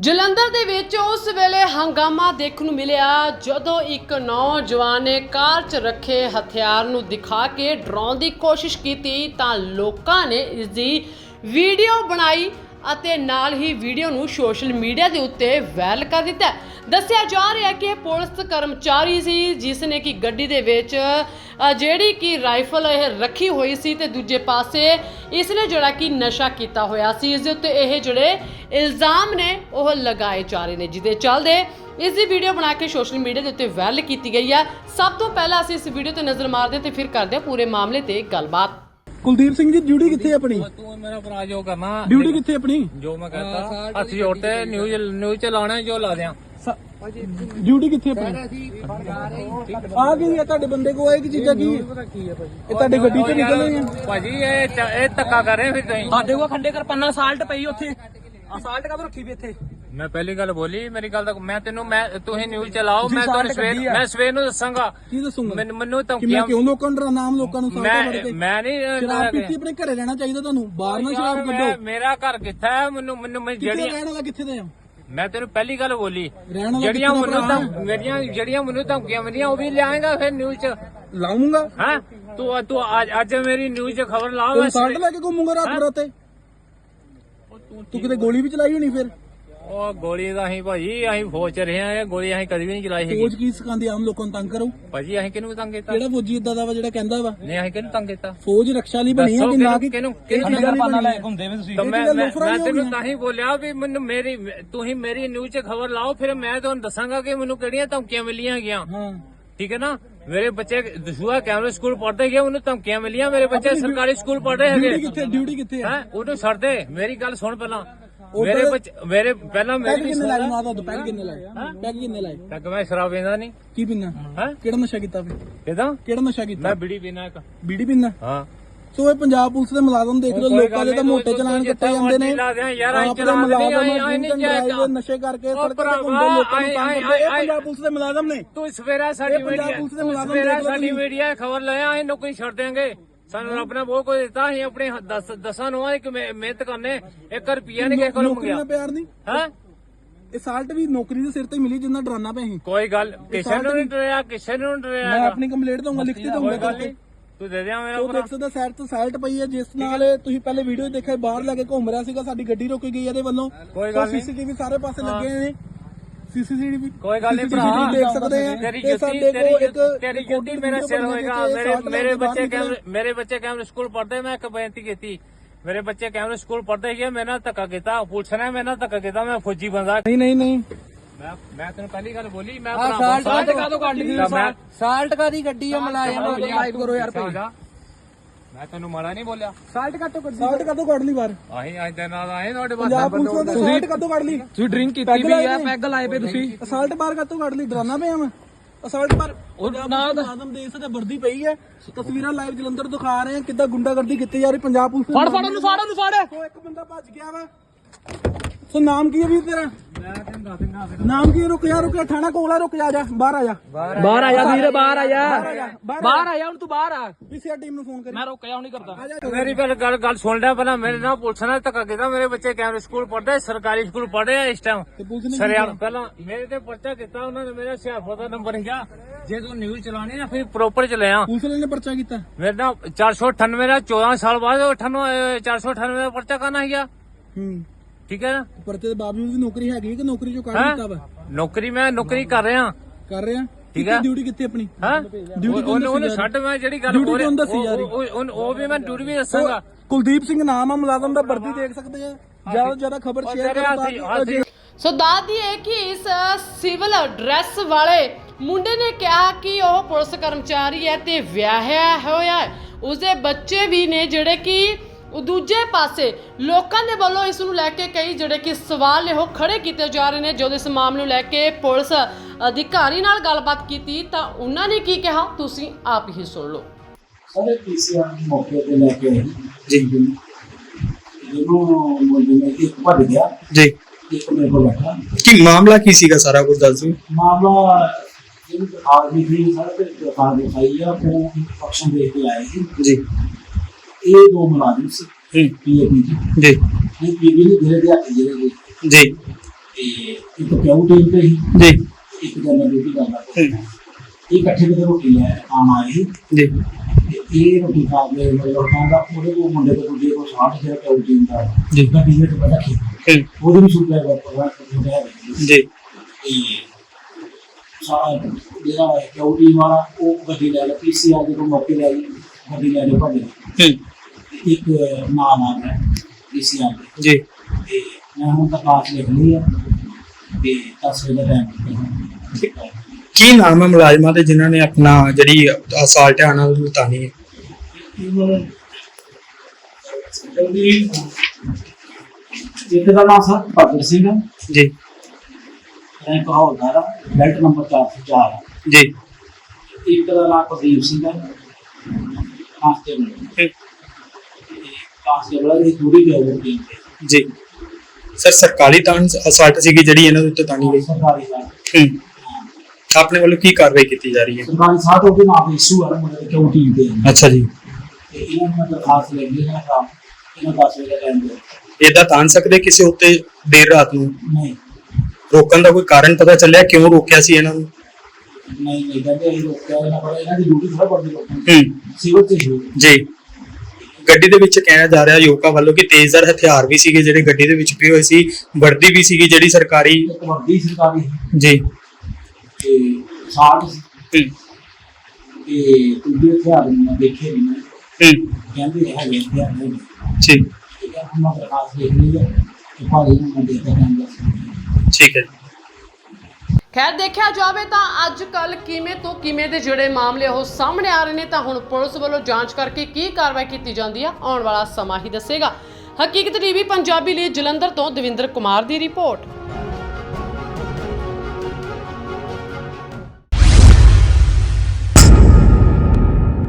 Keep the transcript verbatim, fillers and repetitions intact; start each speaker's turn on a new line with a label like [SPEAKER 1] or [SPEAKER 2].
[SPEAKER 1] ਜਲੰਧਰ ਦੇ ਵਿੱਚ ਉਸ ਵੇਲੇ ਹੰਗਾਮਾ ਦੇਖਣ ਨੂੰ ਮਿਲਿਆ ਜਦੋਂ ਇੱਕ ਨੌਜਵਾਨ ਨੇ ਕਾਰ 'ਚ ਰੱਖੇ ਹਥਿਆਰ ਨੂੰ ਦਿਖਾ ਕੇ ਡਰਾਉਣ ਦੀ ਕੋਸ਼ਿਸ਼ ਕੀਤੀ ਤਾਂ ਲੋਕਾਂ ਨੇ ਇਸ ਦੀ ਵੀਡੀਓ ਬਣਾਈ ਅਤੇ ਨਾਲ ਹੀ ਵੀਡੀਓ ਨੂੰ ਸੋਸ਼ਲ ਮੀਡੀਆ ਦੇ ਉੱਤੇ ਵਾਇਰਲ ਕਰ ਦਿੱਤਾ। ਦੱਸਿਆ ਜਾ ਰਿਹਾ ਹੈ ਕਿ ਇਹ ਪੁਲਿਸ ਕਰਮਚਾਰੀ ਸੀ ਜਿਸ ਨੇ ਕਿ ਗੱਡੀ ਦੇ ਵਿੱਚ ਜਿਹੜੀ ਕਿ ਰਾਈਫਲ ਇਹ ਰੱਖੀ ਹੋਈ ਸੀ ਤੇ ਦੂਜੇ ਪਾਸੇ ਇਸ ਨੇ ਜਿਹੜਾ ਕਿ ਨਸ਼ਾ ਕੀਤਾ ਹੋਇਆ ਸੀ। ਇਸ ਦੇ ਉੱਤੇ ਇਹ ਜਿਹੜੇ ਇਲਜ਼ਾਮ ਨੇ ਉਹ ਲਗਾਏ ਜਾ ਰਹੇ ਨੇ, ਜਿਹਦੇ ਚੱਲਦੇ ਇਸ ਦੀ ਵੀਡੀਓ ਬਣਾ ਕੇ ਸੋਸ਼ਲ ਮੀਡੀਆ ਦੇ ਉੱਤੇ ਵਾਇਰਲ ਕੀਤੀ ਗਈ ਹੈ। ਸਭ ਤੋਂ ਪਹਿਲਾਂ ਅਸੀਂ ਇਸ ਵੀਡੀਓ ਤੇ ਨਜ਼ਰ ਮਾਰਦੇ ਤੇ ਫਿਰ ਕਰਦੇ ਹਾਂ ਪੂਰੇ ਮਾਮਲੇ ਤੇ ਗੱਲਬਾਤ।
[SPEAKER 2] ਕੁਲਦੀਪ ਸਿੰਘ ਜੀ ਡਿਊਟੀ ਕਿੱਥੇ ਆਪਣੀ?
[SPEAKER 3] ਤੂੰ ਮੇਰਾ ਭਰਾ ਜੋ ਕਰਨਾ
[SPEAKER 2] ਡਿਊਟੀ ਕਿੱਥੇ ਆਪਣੀ?
[SPEAKER 3] ਜੋ ਮੈਂ ਕਹਿੰਦਾ ਹੱਥ ਜੋੜ ਤੇ ਨਿਊਜ਼ ਨਿਊਜ਼ ਚਲਾਉਣਾ ਜੋ ਲਾ ਦਿਆਂ।
[SPEAKER 2] ਡਿਊਟੀ ਕਿੱਥੇ ਆਪਣੀ? ਆ ਕੀ ਹੈ ਤੁਹਾਡੇ ਬੰਦੇ ਕੋਲ? ਇਹ ਕੀ ਚੀਜ਼ਾਂ ਕੀ ਹੈ? ਇਹ ਤੁਹਾਡੀ ਗੱਡੀ ਚੋਂ ਨਿਕਲੇ ਆ
[SPEAKER 3] ਭਾਜੀ। ਇਹ ਇਹ ਧੱਕਾ ਕਰ ਰਹੇ ਫਿਰ ਤੁਸੀਂ।
[SPEAKER 4] ਸਾਡੇ ਕੋਲ ਖੰਡੇ ਕਰਪਾਨਾ ਅਸਾਲਟ ਪਈ ਉੱਥੇ। ਅਸਾਲਟ ਕਦੋਂ ਰੱਖੀ ਵੀ ਇੱਥੇ?
[SPEAKER 3] ਮੈਂ ਪਹਿਲੀ ਗੱਲ ਬੋਲੀ, ਮੇਰੀ ਗੱਲ ਤਾਂ ਮੈਂ ਤੈਨੂੰ ਮੈਂ ਤੁਸੀਂ ਨਿਊਜ਼ ਚਲਾਓ, ਮੈਂ ਤੁਹਾਨੂੰ ਸਵੇਰ ਮੈਂ ਸਵੇਰ ਨੂੰ ਦੱਸਾਂਗਾ।
[SPEAKER 2] ਕੀ ਦੱਸੂਗਾ?
[SPEAKER 3] ਮੈਨੂੰ ਮੈਨੂੰ ਤਾਂ
[SPEAKER 2] ਕਿ ਮੈਂ ਕਿਉਂ ਲੋਕਾਂ ਨੂੰ ਡਰਾਉਣਾ? ਆਮ ਲੋਕਾਂ ਨੂੰ ਸਾਹ
[SPEAKER 3] ਮੈਂ
[SPEAKER 2] ਵੜ ਕੇ
[SPEAKER 3] ਮੈਂ ਨਹੀਂ
[SPEAKER 2] ਸ਼ਰਾਬ ਪੀਤੀ ਆਪਣੇ ਘਰੇ ਰਹਿਣਾ ਚਾਹੀਦਾ ਤੁਹਾਨੂੰ, ਬਾਹਰ ਨਾ ਸ਼ਰਾਬ ਕੱਢੋ।
[SPEAKER 3] ਮੇਰਾ ਘਰ ਕਿੱਥੇ ਹੈ? ਮੈਨੂੰ ਮੈਨੂੰ ਮੈਂ
[SPEAKER 2] ਕਿੱਥੇ
[SPEAKER 3] ਜਿਹੜੀ
[SPEAKER 2] ਰਹਿਣ ਵਾਲਾ ਕਿੱਥੇ ਦੇ ਆ?
[SPEAKER 3] ਮੈਂ ਤੈਨੂੰ ਪਹਿਲੀ ਗੱਲ ਬੋਲੀ,
[SPEAKER 2] ਰਹਿਣ ਵਾਲਾ
[SPEAKER 3] ਜਿਹੜੀਆਂ
[SPEAKER 2] ਕਿੱਥੇ ਦਾ
[SPEAKER 3] ਮੈਨੂੰ ਤਾਂ ਮੇਰੀਆਂ ਜਿਹੜੀਆਂ ਮੈਨੂੰ ਧਮਕੀਆਂ ਮਿਲੀਆਂ ਉਹ ਵੀ ਲਿਆਏਗਾ ਫਿਰ ਨਿਊਜ਼ ਚ
[SPEAKER 2] ਲਾਉਂਗਾ।
[SPEAKER 3] ਹਾਂ ਤੂੰ ਤੂੰ ਅੱਜ ਅੱਜ ਮੇਰੀ ਨਿਊਜ਼ ਚ ਖਬਰ ਲਾ।
[SPEAKER 2] ਤੂੰ ਸਾਲਟ ਲੈ ਕੇ ਘੁੰਮੂਗਾ ਰਾਤ ਭਰ ਉੱਤੇ? ਤੂੰ ਕਿਤੇ ਗੋਲੀ ਵੀ ਚਲਾਈ ਹੋਣੀ ਫਿਰ?
[SPEAKER 3] ਉਹ ਗੋਲੀ ਦਾ ਅਸੀਂ ਭਾਜੀ ਅਸੀਂ ਫੌਜ ਚ ਰਹੇ ਆ, ਗੋਲੀ ਅਸੀਂ ਕਦੀ ਵੀ ਨਹੀਂ ਚਲਾਈ ਹੈਗੀ।
[SPEAKER 2] ਫੌਜ ਕੀ ਸਿਖਾਉਂਦੀ ਆਮ ਲੋਕਾਂ ਨੂੰ ਤੰਗ ਕਰੋ?
[SPEAKER 3] ਭਾਜੀ ਅਸੀਂ ਕਿਹਨੂੰ ਤੰਗ ਕੀਤਾ?
[SPEAKER 2] ਕਿਹੜਾ ਫੌਜੀ ਇਦਾਂ ਦਾ ਵਾ ਜਿਹੜਾ ਕਹਿੰਦਾ ਵਾ
[SPEAKER 3] ਨਹੀਂ ਅਸੀਂ ਕਿਹਨੂੰ ਤੰਗ ਕੀਤਾ?
[SPEAKER 2] ਫੌਜ ਰਕਸ਼ਾ ਲਈ ਬਣੀ ਆ ਕਿ ਨਾ? ਕਿ
[SPEAKER 3] ਕਿਹਨੂੰ
[SPEAKER 4] ਖੰਡੇ ਕਰਪਾਨਾ ਲੈ ਕੇ ਘੁੰਮਦੇ ਵੇ ਤੁਸੀਂ।
[SPEAKER 3] ਤਾਂ ਮੈਂ ਮੈਂ ਤੈਨੂੰ ਤਾਂ ਹੀ ਬੋਲਿਆ ਵੀ ਮੈਨੂੰ ਮੇਰੀ ਤੁਸੀਂ ਮੇਰੀ ਨਿਊਜ਼ 'ਚ ਖਬਰ ਲਾਓ, ਫਿਰ ਮੈਂ ਤੁਹਾਨੂੰ ਦੱਸਾਂਗਾ ਕਿ ਮੈਨੂੰ ਕਿਹੜੀਆਂ ਧਮਕੀਆਂ ਮਿਲੀਆਂ ਹੈਗੀਆਂ।
[SPEAKER 2] ਹਾਂ
[SPEAKER 3] ਠੀਕ ਹੈ ਨਾ। ਮੇਰੇ ਬੱਚੇ ਦਸੂਆ ਕੈਮਰੇ ਸਕੂਲ ਪੜ੍ਹਦੇ ਹੈਗੇ, ਉਹਨੂੰ ਧਮਕੀਆਂ ਮਿਲੀਆਂ। ਮੇਰੇ ਬੱਚੇ ਸਰਕਾਰੀ ਸਕੂਲ ਪੜ੍ਹ ਰਹੇ
[SPEAKER 2] ਡਿਊਟੀ
[SPEAKER 3] ਹੈਗੇ।
[SPEAKER 2] ਕਿੱਥੇ? ਡਿਊਟੀ ਕਿੱਥੇ ਆ?
[SPEAKER 3] ਹੈ ਉਹਨੂੰ ਛੱਡ ਦੇ, ਮੇਰੀ ਗੱਲ ਸੁਣ ਪਹਿਲਾਂ। ਮੇਰੇ ਬੱਚੇ ਮੇਰੇ ਪਹਿਲਾਂ
[SPEAKER 2] ਪੈਗ
[SPEAKER 3] ਮੇਰੀ
[SPEAKER 2] ਕਿੰਨੇ ਲਾਏ? ਮਾਤਾ ਤੋਂ ਪੈਗ ਕਿੰਨੇ ਲਾਏ? ਪੈਗ ਕਿੰਨੇ ਲਾਏ?
[SPEAKER 3] ਤੱਕ ਮੈਂ ਸ਼ਰਾਬ ਪੀਂਦਾ ਨਹੀਂ।
[SPEAKER 2] ਕੀ ਪੀਣਾ?
[SPEAKER 3] ਹੈ
[SPEAKER 2] ਕਿਹੜਾ ਨਸ਼ਾ ਕੀਤਾ ਫਿਰ?
[SPEAKER 3] ਕਿਦਾਂ?
[SPEAKER 2] ਕਿਹੜਾ ਨਸ਼ਾ ਕੀਤਾ?
[SPEAKER 3] ਮੈਂ ਬੀੜੀ ਪੀਣਾ ਇੱਕ।
[SPEAKER 2] ਬੀੜੀ ਪੀਣਾ?
[SPEAKER 3] ਹਾਂ।
[SPEAKER 2] ਸੋ ਇਹ ਪੰਜਾਬ ਪੁਲਿਸ ਦੇ ਮੁਲਾਜ਼ਮ ਦੇਖ ਲਓ, ਲੋਕਾਂ ਦੇ ਤਾਂ ਮੋਟੇ ਚਲਾਨ ਕੱਟੇ ਜਾਂਦੇ ਨੇ।
[SPEAKER 3] ਯਾਰ
[SPEAKER 2] ਆਪਣੇ ਮੁਲਾਜ਼ਮ ਨਸ਼ੇ ਕਰਕੇ ਸੜਕ ਤੇ ਘੁੰਮਦੇ ਲੋਕਾਂ ਨੂੰ ਤੰਗ ਕਰਦੇ। ਇਹ ਪੰਜਾਬ ਪੁਲਿਸ ਦੇ ਮੁਲਾਜ਼ਮ ਨੇ।
[SPEAKER 3] ਤੂੰ ਸਵੇਰਾ ਸਾਡੀ
[SPEAKER 2] ਪੰਜਾਬ
[SPEAKER 3] ਮੀਡੀਆ
[SPEAKER 2] ਪੁਲਿਸ ਦੇ ਮੁਲਾਜ਼ਮ
[SPEAKER 3] ਸਵੇਰਾ
[SPEAKER 2] ਦੇਖ ਲਓ
[SPEAKER 3] ਸਾਡੀ
[SPEAKER 2] ਤੁਸੀਂ।
[SPEAKER 3] ਮੀਡੀਆ ਖਬਰ ਲਿਆ, ਅਸੀਂ ਨੌਕਰੀ ਛੱਡ ਦੇਾਂਗੇ। ਸਾਨੂੰ ਰੱਬ ਨੇ ਬਹੁਤ ਕੁਝ ਦਿੱਤਾ, ਅਸੀਂ ਆਪਣੇ ਦਸ ਦਸਾਂ ਨੂੰ ਇੱਕ ਮਿਹਨਤ ਕਰਨੇ, ਇੱਕ ਰੁਪਿਆ ਨਹੀਂ ਕਿਸੇ ਕੋਲੋਂ
[SPEAKER 2] ਨੌਕਰੀ
[SPEAKER 3] ਮੰਗਿਆ।
[SPEAKER 2] ਨਾਲ ਪਿਆਰ ਨਹੀਂ
[SPEAKER 3] ਹੈ
[SPEAKER 2] ਇਹ ਸਾਲਟ ਵੀ ਨੌਕਰੀ ਦੇ ਸਿਰ ਤੇ ਮਿਲੀ ਜਿੰਨਾ ਡਰਾਨਾ ਪਿਆ ਸੀ।
[SPEAKER 3] ਕੋਈ ਗੱਲ ਕਿਸੇ ਨੂੰ ਨਹੀਂ ਡਰਿਆ, ਕਿਸੇ ਨੂੰ ਨਹੀਂ ਡਰਿਆ।
[SPEAKER 2] ਮੈਂ ਆਪਣੀ ਕੰਪਲੇਂਟ ਦਊਂਗਾ, ਲਿਖਤੀ ਦਊਂਗਾ ਕਰਕੇ।
[SPEAKER 3] ਤੂੰ ਦੇ ਦਿਆਂ ਮੇਰਾ
[SPEAKER 2] ਉਹ
[SPEAKER 3] ਭਰਾ।
[SPEAKER 2] ਦੇਖ ਸਕਦਾ ਸਾਈਡ ਤੋਂ ਸਾਲਟ ਪਈ ਹੈ, ਜਿਸ ਨਾਲ ਤੁਸੀਂ ਪਹਿਲੇ ਵੀਡੀਓ ਦੇਖਿਆ ਬਾਹਰ ਲੈ ਕੇ ਘੁੰਮ ਰਿਹਾ ਸੀਗਾ। ਸਾਡੀ ਗੱਡੀ ਰੋਕੀ ਗਈ ਇਹਦੇ ਵੱਲੋਂ।
[SPEAKER 3] ਕੋਈ ਗੱਲ ਨਹੀਂ।
[SPEAKER 2] ਸੀਸੀਟੀਵੀ ਸਾਰੇ ਪਾਸੇ ਲੱਗੇ ਨੇ। ਸੀਸੀਟੀਵੀ
[SPEAKER 3] ਕੋਈ ਗੱਲ ਨਹੀਂ ਭਰਾ,
[SPEAKER 2] ਦੇਖ ਸਕਦੇ ਆ।
[SPEAKER 3] ਤੇਰੀ
[SPEAKER 2] ਇਹ
[SPEAKER 3] ਜੁੱਤੀ
[SPEAKER 2] ਸਾਡੇ ਕੋਲ
[SPEAKER 3] ਤੇਰੀ
[SPEAKER 2] ਇੱਕ
[SPEAKER 3] ਤੇਰੀ ਜੁੱਤੀ ਮੇਰੇ ਸਿਰ ਹੋਏਗਾ। ਮੇਰੇ ਮੇਰੇ ਬੱਚੇ ਕੈਮਰੇ ਮੇਰੇ ਬੱਚੇ ਕੈਮਰੇ ਸਕੂਲ ਪੜ੍ਹਦੇ। ਮੈਂ ਇੱਕ ਬੇਨਤੀ ਕੀਤੀ, ਮੇਰੇ ਬੱਚੇ ਕੈਮਰੇ ਸਕੂਲ ਪੜ੍ਹਦੇ ਹੀ, ਮੇਰੇ ਨਾਲ ਧੱਕਾ ਕੀਤਾ ਪੁਲਿਸ ਨੇ, ਮੇਰੇ ਨਾਲ ਧੱਕਾ ਕੀਤਾ। ਮੈਂ ਫੌਜੀ ਬੰਦਾ
[SPEAKER 2] ਨਹੀਂ ਨਹੀਂ ਨਹੀਂ
[SPEAKER 3] ਮੈਂ ਮੈਂ ਤੈਨੂੰ ਪਹਿਲੀ ਗੱਲ ਬੋਲੀ। ਮੈਂ
[SPEAKER 4] ਸਾਲਟ ਕਾਦੋਂ ਕੱਢ ਲਈ?
[SPEAKER 3] ਮੈਂ
[SPEAKER 4] ਸਾਲਟ ਕਾਦੀ ਗੱਡੀ ਆ? ਮਲਾਇਆ ਲਾਈਵ ਕਰੋ ਯਾਰ ਭਾਈ।
[SPEAKER 3] ਮੈਂ ਤੈਨੂੰ ਮਾੜਾ ਨਹੀਂ ਬੋਲਿਆ।
[SPEAKER 4] ਸਾਲਟ ਕਾਟੋ ਗੱਡੀ?
[SPEAKER 2] ਸਾਲਟ ਕਦੋਂ ਕੱਢ ਲਈ ਬਾਹਰ?
[SPEAKER 3] ਅਸੀਂ ਅੱਜ ਦੇ ਨਾਲ ਆਏ ਤੁਹਾਡੇ ਪਾਸ।
[SPEAKER 2] ਪੰਜਾਬ ਪੁਲਿਸ ਨੇ ਸਾਲਟ ਕਦੋਂ ਕੱਢ ਲਈ?
[SPEAKER 4] ਤੁਸੀਂ ਡਰਿੰਕ ਕੀਤੀ ਵੀ ਆ, ਪੈਗ ਲਾਏ ਪਏ ਤੁਸੀਂ।
[SPEAKER 2] ਅਸਾਲਟ ਬਾਹਰ ਕਦੋਂ ਕੱਢ ਲਈ? ਡਰਾਨਾ ਪਿਆ ਮੈਂ? ਅਸਾਲਟ ਬਾਹਰ
[SPEAKER 4] ਉਹ ਨਾ
[SPEAKER 2] ਆਦਮ ਦੇਖ ਸਕਦੇ ਵਰਦੀ ਪਈ ਹੈ। ਤਸਵੀਰਾਂ ਲਾਈਵ ਜਲੰਧਰ ਦਿਖਾ ਰਹੇ ਆ ਕਿੱਦਾਂ ਗੁੰਡਾਗਰਦੀ ਕੀਤੀ ਜਾ ਰਹੀ ਪੰਜਾਬ ਪੁਲਿਸ ਦੇ।
[SPEAKER 4] ਫੜ ਫੜ ਉਹਨੂੰ, ਫੜ ਉਹਨੂੰ, ਫੜ।
[SPEAKER 2] ਸੋ ਇੱਕ ਬੰਦਾ ਭੱਜ ਗਿਆ ਵਾ। ਸੋ ਨਾਮ ਕੀ ਹੈ ਵੀਰ ਤੇਰਾ?
[SPEAKER 3] ਮੈਂ ਤੈਨੂੰ ਦੱਸ ਦਿੰਦਾ।
[SPEAKER 2] ਨਾਮ ਕੀ? ਰੁਕ ਜਾ ਰੁਕ ਜਾ, ਥਾਣਾ ਕੋਲਾ ਰੁਕ ਜਾ, ਜਾ ਬਾਹਰ ਆ ਜਾ।
[SPEAKER 4] ਬਾਹਰ ਆ ਜਾ ਵੀਰ, ਬਾਹਰ ਆ ਜਾ, ਬਾਹਰ ਆ ਜਾ ਹੁਣ, ਤੂੰ ਬਾਹਰ ਆ।
[SPEAKER 2] ਪੀਸੀਆਰ ਟੀਮ ਨੂੰ ਫੋਨ ਕਰੀ।
[SPEAKER 4] ਮੈਂ ਰੋਕਿਆ ਹੁਣ ਨਹੀਂ ਕਰਦਾ।
[SPEAKER 3] ਮੇਰੀ ਪਹਿਲਾਂ ਗੱਲ ਗੱਲ ਸੁਣ ਲੈ ਪਹਿਲਾਂ। ਮੇਰੇ ਨਾਲ ਪੁਲਿਸ ਨੇ ਧੱਕਾ ਕੀਤਾ। ਮੇਰੇ ਬੱਚੇ ਕੈਮਰੇ ਸਕੂਲ ਪੜ੍ਹਦੇ, ਸਰਕਾਰੀ ਸਕੂਲ ਪੜ੍ਹਦੇ ਆ ਇਸ ਟਾਈਮ।
[SPEAKER 2] ਤੇ ਪੁਲਿਸ ਨੇ
[SPEAKER 3] ਸਰਿਆਲ ਪਹਿਲਾਂ ਮੇਰੇ ਤੇ ਪਰਚਾ ਕੀਤਾ ਉਹਨਾਂ ਨੇ। ਮੇਰਾ ਸਿਆਫਾ ਦਾ ਨੰਬਰ ਹੈਗਾ। ਜੇ ਤੂੰ ਨਿਊਜ਼ ਚਲਾਣੀ ਨਾ ਫਿਰ ਪ੍ਰੋਪਰ ਚਲਾਇਆ।
[SPEAKER 2] ਪੁਲਿਸ ਵਾਲੇ ਨੇ ਪਰਚਾ ਕੀਤਾ।
[SPEAKER 3] ਮੇਰੇ ਨਾਲ ਚਾਰ ਸੌ ਅਠਾਨਵੇਂ ਦਾ ਚੌਦਾਂ ਸਾਲ ਬਾਅਦ ਅਠਾਨਵੇਂ ਚਾਰ ਸੌ ਅਠਾਨਵੇਂ ਦਾ ਪਰਚਾ ਕਰਨਾ ਹੈਗਾ।
[SPEAKER 2] ਹੂੰ
[SPEAKER 3] ਠੀਕ ਹੈ ਨਾ।
[SPEAKER 2] ਪਰਚੇ ਦੇ ਬਾਵਜੂਦ ਵੀ ਨੌਕਰੀ ਹੈਗੀ ਕਿ ਨੌਕਰੀ ਚੋਂ ਕੱਢ
[SPEAKER 3] ਹੈਂ?
[SPEAKER 2] ਦਿੱਤਾ ਵਾ?
[SPEAKER 3] ਨੌਕਰੀ ਮੈਂ ਨੌਕਰੀ ਕਰ ਰਿਹਾ।
[SPEAKER 2] ਕਰ ਰਿਹਾ।
[SPEAKER 3] ਠੀਕ ਹੈ।
[SPEAKER 2] ਡਿਊਟੀ ਕਿੱਥੇ ਆਪਣੀ?
[SPEAKER 3] ਹਾਂ
[SPEAKER 2] ਡਿਊਟੀ
[SPEAKER 3] ਉਹਨੂੰ ਉਹਨੂੰ ਛੱਡ। ਮੈਂ ਜਿਹੜੀ ਗੱਲ
[SPEAKER 2] ਡਿਊਟੀ
[SPEAKER 3] ਬੋਲ
[SPEAKER 2] ਕਿਉਂ ਦੱਸੀ ਜਾ ਰਹੀ?
[SPEAKER 3] ਉਹ ਉਹ- ਉਹ ਵੀ ਮੈਂ ਡਿਊਟੀ ਵੀ ਦੱਸਾਂਗਾ।
[SPEAKER 2] ਕੁਲਦੀਪ ਸਿੰਘ ਨਾਮ ਆ ਮੁਲਾਜ਼ਮ ਦਾ, ਵਰਦੀ ਦੇਖ ਸਕਦੇ ਆ। ਜਿਆਦਾ ਤੋਂ ਜਿਆਦਾ ਖਬਰ ਸ਼ੇਅਰ ਕਰੋ ਤਾਂ ਕਿ
[SPEAKER 1] ਸੋ ਦੱਸਦੀ ਹੈ ਕਿ ਇਸ ਸਿਵਲ ਡਰੈਸ ਵਾਲੇ ਮੁੰਡੇ ਨੇ ਕਿਹਾ ਕਿ ਉਹ ਪੁਲਿਸ ਕਰਮਚਾਰੀ ਹੈ ਤੇ ਵਿਆਹਿਆ ਹੋਇਆ ਹੈ। ਉਸਦੇ ਬੱਚੇ ਵੀ ਨੇ ਜਿਹੜੇ ਕਿ ਦੂਜੇ ਪਾਸੇ ਲੋਕਾਂ ਦੇ ਵੱਲੋਂ ਇਸ ਨੂੰ ਲੈ ਕੇ ਕਈ ਜਿਹੜੇ ਕਿ ਸਵਾਲ ਨੇ ਉਹ ਖੜੇ ਕੀਤੇ ਜਾ ਰਹੇ ਨੇ। ਜਦੋਂ ਇਸ ਮਾਮਲੇ ਨੂੰ ਲੈ ਕੇ ਪੁਲਿਸ ਅਧਿਕਾਰੀ ਨਾਲ ਗੱਲਬਾਤ ਕੀਤੀ ਤਾਂ ਉਹਨਾਂ ਨੇ ਕੀ ਕਿਹਾ ਤੁਸੀਂ ਆਪ ਹੀ ਸੁਣ ਲਓ।
[SPEAKER 5] ਸਾਰੇ ਪੀਸੀਆਰ ਮੌਕੇ ਤੇ ਲੈ ਕੇ ਆਏ ਜੀ। ਜਿਹਨੂੰ ਮੁੰਡੇ ਨੇ ਇੱਕ ਭੱਜ ਗਿਆ
[SPEAKER 6] ਜੀ।
[SPEAKER 5] ਇੱਕ ਮੇਰੇ ਕੋਲ ਬੈਠਾ।
[SPEAKER 6] ਕੀ ਮਾਮਲਾ ਕੀ ਸੀਗਾ ਸਾਰਾ ਕੁਝ ਦੱਸ ਦਿਓ।
[SPEAKER 5] ਮਾਮਲਾ ਜਿਹਨੂੰ ਆਰਮੀ ਦੀ ਸਾਰੇ ਤੇ ਦਰਖਾਸਤ ਦਿਖਾਈ ਆ, ਉਹ ਫੰਕਸ਼ਨ ਦੇਖ ਕੇ ਆਏ ਸੀ
[SPEAKER 6] ਜੀ।
[SPEAKER 5] ਇਹ ਦੋ ਮੁਲਾਜ਼ਮ ਸੀ
[SPEAKER 6] ਜੀ
[SPEAKER 5] ਪੀਏਪੀ ਜੀ।
[SPEAKER 6] ਜੀ
[SPEAKER 5] ਇਹ ਪੀਏਪੀ ਦੇ ਜਿਹੜੇ ਦੇ ਹੱਥ ਜਿਹੜੇ
[SPEAKER 6] ਜੀ
[SPEAKER 5] ਤੇ ਇੱਕ ਕਿਉਂ ਟੀਮ ਤੇ ਸੀ,
[SPEAKER 6] ਜੀ
[SPEAKER 5] ਇੱਕ ਜਨਰਲ ਡਿਊਟੀ ਕਰਦਾ ਸੀ।
[SPEAKER 6] ਹੂੰ,
[SPEAKER 5] ਇਹ ਇਕੱਠੇ ਕਿਤੇ ਰੋਟੀ ਲੈ ਖਾਣ ਆਏ ਸੀ
[SPEAKER 6] ਜੀ
[SPEAKER 5] ਤੇ ਇਹ ਰੋਟੀ ਖਾ ਕੇ ਮਤਲਬ ਕਹਿੰਦਾ ਉਹਦੇ ਕੋਲ ਮੁੰਡੇ ਕੋਲ ਦੂਜੇ ਕੋਲ ਸਾਠ ਹਜ਼ਾਰ ਕਿਉਂ ਟੀਮ ਦਾ
[SPEAKER 6] ਜੀ।
[SPEAKER 5] ਗੱਡੀ ਵਿੱਚ ਪਤਾ ਕੀ
[SPEAKER 6] ਹੂੰ,
[SPEAKER 5] ਉਹਦੇ ਵੀ ਸੁਪਰ ਵਰਕਰ ਹੈ
[SPEAKER 6] ਜੀ
[SPEAKER 5] ਤੇ ਸਾਰਾ ਜਿਹੜਾ ਕਿਉਂ ਟੀਮ ਵਾਲਾ ਉਹ ਗੱਡੀ ਲੈ ਲਿਆ ਪੀਸੀਆਰ ਦੇ ਕੋਲ ਮੌਕੇ ਲੈ ਗਈ ਗੱਡੀ ਲੈ ਕੇ ਭੱਜ ਗਏ।
[SPEAKER 6] ਹੂੰ,
[SPEAKER 5] ਇੱਕ ਨਾਮ ਆ ਗਿਆ ਪੀਸੀਆਰ ਦੇ
[SPEAKER 6] ਜੀ
[SPEAKER 5] ਤੇ ਮੈਂ ਹੁਣ ਤੱਕ ਆਸ ਲਿਖ ਲਈ ਹੈ ਤੇ ਦਸ ਵਜੇ ਦਾ ਟਾਈਮ
[SPEAKER 6] ਕੀ ਨਾਮ ਹੈ ਮੁਲਾਜ਼ਮਾਂ ਦੇ ਜਿਨ੍ਹਾਂ ਨੇ ਆਪਣਾ ਜਿਹੜੀ ਅਸਾਲਟ ਹੈ ਉਹਨਾਂ ਨੂੰ ਲਤਾਨੀ ਹੈ?
[SPEAKER 5] ਇੱਕ ਦਾ ਨਾਮ ਸਰ ਭਗਤ ਸਿੰਘ ਹੈ,
[SPEAKER 6] ਜੀ
[SPEAKER 5] ਰੈਂਕ ਹੌਲਦਾਰ ਆ, ਬੈਲਟ ਨੰਬਰ ਚਾਰ ਸੌ ਚਾਰ ਆ।
[SPEAKER 6] ਜੀ
[SPEAKER 5] ਇੱਕ ਦਾ ਨਾਮ ਕੁਲਦੀਪ ਸਿੰਘ ਹੈ, ਕਾਂਸਟੇਬਲ
[SPEAKER 6] ਹੂੰ,
[SPEAKER 5] ਕਾਂਸਟੇਬਲ ਦੀ ਦੂਰੀ ਤੇ ਉਹ ਟੀਮ ਤੇ
[SPEAKER 6] ਜੀ ਸਰ ਸਰਕਾਰੀ ਤਾਨ ਅਸਾਲਟ ਸੀਗੀ ਜਿਹੜੀ ਇਹਨਾਂ ਦੇ ਉੱਤੇ ਤਾਨੀ ਗਈ।
[SPEAKER 5] ਸਰਕਾਰੀ ਦਾ
[SPEAKER 6] ਹੂੰ, ਆਪਣੇ ਵੱਲੋਂ ਕੀ ਕਾਰਵਾਈ ਕੀਤੀ ਜਾ ਰਹੀ ਹੈ?
[SPEAKER 5] ਸਰਕਾਰੀ ਸਾਥ ਉਹਦੇ ਨਾਮ ਇਸ਼ੂ ਆ ਮੁੰਡੇ ਕਿਉਂ ਟੀਮ ਤੇ
[SPEAKER 6] ਅੱਛਾ ਜੀ,
[SPEAKER 5] ਤੇ ਇਹਨਾਂ ਨੂੰ ਮਤਲਬ ਖਾਸ ਲੈ ਲਈ ਹੈ ਕੰਮ ਇਹਨਾਂ ਦਸ ਵਜੇ ਦਾ ਟਾਈਮ ਦੇ
[SPEAKER 6] ਏਦਾਂ ਤਾਨ ਸਕਦੇ ਕਿਸੇ ਉੱਤੇ ਦੇਰ ਰਾਤ ਨੂੰ?
[SPEAKER 5] ਨਹੀਂ
[SPEAKER 6] ਰੋਕਣ ਦਾ ਕੋਈ ਕਾਰਨ ਪਤਾ ਚੱਲਿਆ ਕਿਉਂ ਰੋਕਿਆ ਸੀ ਇਹਨਾਂ ਨੂੰ?
[SPEAKER 5] ਨਹੀਂ ਨਹੀਂ ਕਹਿੰਦੇ ਇਹ ਰੋਕਿਆ ਇਹਨਾਂ ਕੋਲ ਇਹਨਾਂ ਦੀ ਡਿਊਟੀ ਥੋੜਾ ਪੜਦੀ ਲੋਕਾਂ ਨੂੰ
[SPEAKER 6] ਹੂੰ,
[SPEAKER 5] ਸਿਵਲ ਤੇ ਹੀ
[SPEAKER 6] ਜੀ ਗੱਡੀ ਦੇ ਵਿੱਚ ਕਿਹਾ ਜਾ ਰਿਹਾ ਯੋਕਾ ਵੱਲੋਂ ਕਿ ਤੇਜ਼ਧਾਰ ਹਥਿਆਰ ਵੀ ਸੀਗੇ ਜਿਹੜੇ ਗੱਡੀ ਦੇ ਵਿੱਚ ਪਏ ਹੋਏ ਸੀ, ਵਰਦੀ ਵੀ ਸੀਗੀ ਜਿਹੜੀ ਸਰਕਾਰੀ।
[SPEAKER 5] ਇੱਕ ਵੱਡੀ ਸਰਕਾਰੀ
[SPEAKER 6] ਜੀ
[SPEAKER 5] ਤੇ ਸਾਠ
[SPEAKER 6] ਹੂੰ,
[SPEAKER 5] ਤੇ ਦੂਜੇ ਹਥਿਆਰ ਮੈਂ ਦੇਖੇ ਨਹੀਂ ਮੈਂ
[SPEAKER 6] ਹੂੰ,
[SPEAKER 5] ਕਹਿੰਦੇ ਹੈਗੇ ਹਥਿਆਰ ਨਹੀਂ
[SPEAKER 6] ਜੀ
[SPEAKER 5] ਠੀਕ ਹੈ ਉਹਨਾਂ ਦਾ ਖਾਸ ਦੇਖ ਲਈ ਹੈ ਕਿ ਭਾਈ ਨੂੰ ਮੈਂ ਦੇਖਦਾ ਹਾਂ
[SPEAKER 6] ਠੀਕ ਹੈ ਜੀ।
[SPEAKER 1] ਖੈਰ ਦੇਖਿਆ ਜਾਵੇ ਤਾਂ ਅੱਜ ਕੱਲ ਕਿਵੇਂ ਤੋਂ ਕਿਵੇਂ ਦੇ ਜਿਹੜੇ ਮਾਮਲੇ ਉਹ ਸਾਹਮਣੇ ਆ ਰਹੇ ਨੇ ਤਾਂ ਹੁਣ ਪੁਲਿਸ ਵੱਲੋਂ ਜਾਂਚ ਕਰਕੇ ਕੀ ਕਾਰਵਾਈ ਕੀਤੀ ਜਾਂਦੀ ਆ ਆਉਣ ਵਾਲਾ ਸਮਾਂ ਹੀ ਦੱਸੇਗਾ। ਹਕੀਕਤ ਟੀਵੀ ਪੰਜਾਬੀ ਲਈ ਜਲੰਧਰ ਤੋਂ ਦਵਿੰਦਰ ਕੁਮਾਰ ਦੀ ਰਿਪੋਰਟ।